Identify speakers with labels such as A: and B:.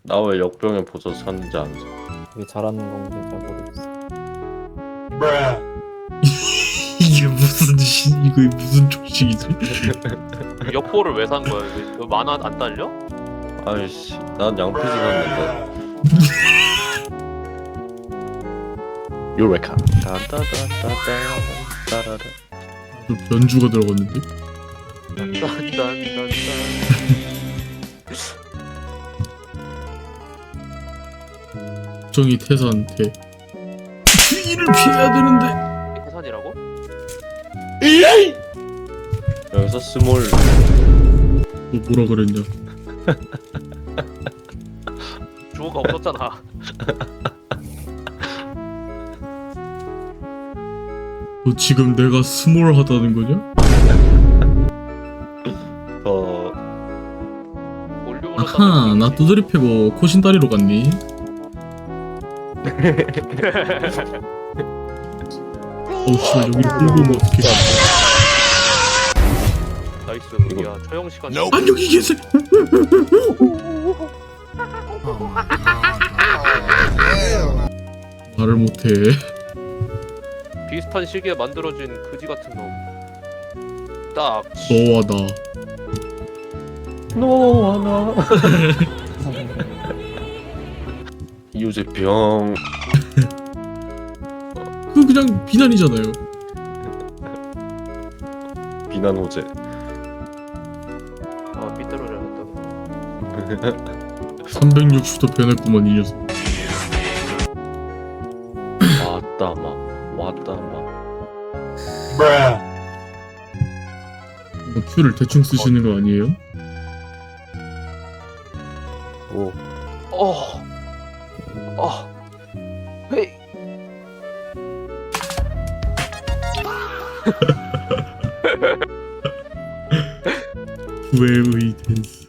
A: 나 왜 역병에 보조 샀는지 알지?
B: 왜 잘하는 건지 잘 모르겠어.
C: 이게 이게 무슨 조식이지?
D: 역보를 왜 산 거야? 그 만화 안 딸려?
A: 아이씨, 난 양피지 샀는데. 요레카. 따따따따따따라라.
C: 연주가 들어갔는데?
D: 딴딴딴딴.
C: 정이 태사한테 주의를 피해야 되는데.
D: 해산이라고?
A: 여기서 스몰.
C: 너 뭐라 그랬냐?
D: 주어가 없었잖아.
C: 너 지금 내가 스몰하다는 거냐?
D: 올리브로
C: 아하, 나 두드리 패고 코신다리로 갔니? 어우 씨, 여기를 끌고 오면 어떡해.
D: 나이스.
A: 이거-
D: 야 처형 시간.
C: 안 여기 계세요. 말을 못해.
D: 비슷한 시기에 만들어진 그지 같은 놈. 딱.
C: 너와 나.
A: 너와 나. 이우재병.
C: 그거 그냥 비난이잖아요.
A: 비난 호재.
D: 아 삐뚤어져야겠다.
C: 360도 변했구만 이 녀석.
A: 왔다 마. 왔다 마.
C: Q를 대충 쓰시는 거 아니에요?
A: 오.
D: 어. 헤이.
C: 후회의 댄스.